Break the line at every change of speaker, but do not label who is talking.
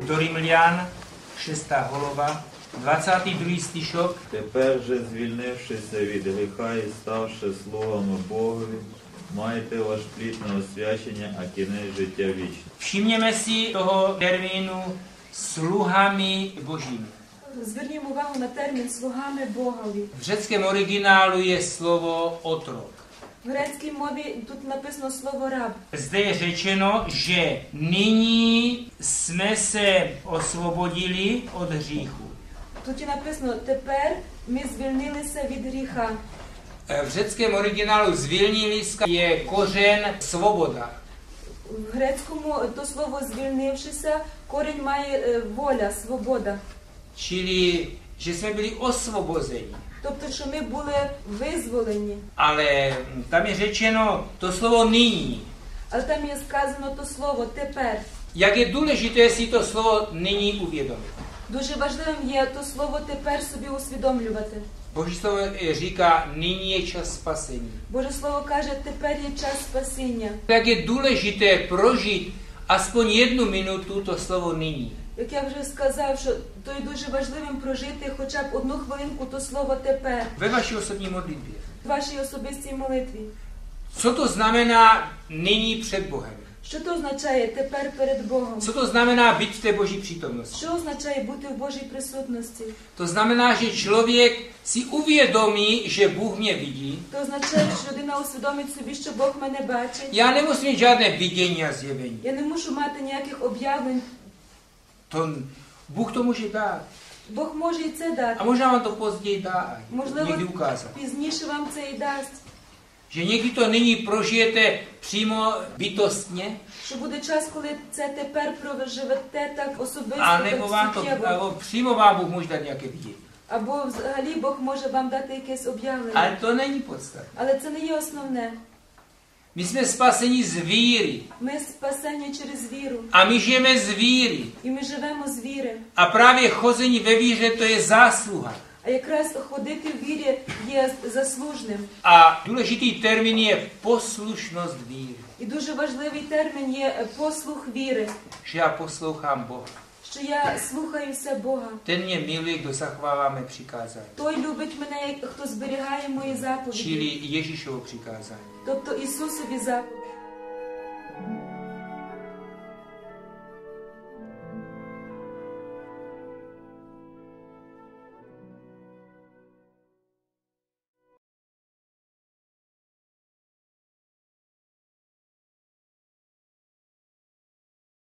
Do Римлян, 6 глава, 22 стишок.
Тепер же, звільнившися від гріха і ставши слугами Богові, майте ваш плід на освячення, а кінець життя вічне.
Všimněme si toho termínu sluhami božími.
Звернімо увагу на термін «слугами Богові».
V řeckém originálu je slovo otrok.
В грецькій мові тут написано слово «раб».
Zde je řečeno, že nyní jsme se osvobodili od hříchu.
Тут і написано «тепер ми звільнилися від гріха».
V řeckém originálu звільнилися je kořen svoboda.
В грецькому то слово «звільнившися» корінь має воля, свобода.
Čili, že jsme byli osvobozeni.
Тобто, що ми були визволені.
Ale tam je řečeno to slovo nyní.
Але там є сказано то слово «тепер».
Jak je důležité si to slovo nyní uvědomit.
Дуже важливим є то слово «тепер» собі усвідомлювати.
Boží slovo říká, nyní je čas spasení.
Боже Слово каже, тепер є час спасіння.
Jak je důležité prožít aspoň 1 minutu to slovo nyní.
Як я вже сказав, що то є дуже важливим прожити хоча б 1 хвилинку то слово «тепер»
Ve vaší osobní modlitbě.
в вашій особистій молитві.
Co to znamená nyní před Bohem?
Що то означає «тепер перед Богом»?
Co to znamená být v té Boží přítomnosti?
Що означає бути в Божій присутності?
To znamená, že člověk si uvědomí, že Bůh mě vidí.
То означає, що людина усвідомить собі, що Бог мене бачить.
Já nemusím mít žádné vidění a zjevení.
Я не мушу мати ніяких об'явлень.
To, Bůh to může dát.
Бог може і це дати.
A možná vám to později dá,
Можливо,
někdy ukázat.
пізніше вам це і дасть.
Že někdy to nyní prožijete přímo bytostně,
Що буде час, коли це тепер проживете так особисто,
a nebo vám
так
to,
суттєво.
nebo přímo vám Bůh může dát nějaké vidění.
Або взагалі Бог може вам дати якесь об'явлення.
Ale to není podstatné.
Але це не є основне.
My jsme spaseni z víry.
Ми спасені через віру.
A my žijeme z víry.
І ми живемо з віри.
A právě chození ve víře to je zásluha.
А якраз ходити в вірі є заслужним.
A důležitý termín je poslušnost víry.
І дуже важливий термін є послух віри.
Že já poslouchám Boha.
Що я слухаюся Бога.
Ten mě miluje, kdo zachovává mé přikázání.
Той любить мене, хто зберігає мої заповіді.
Čili Ježíšovo přikázání.
Тобто Ісусові заповіді.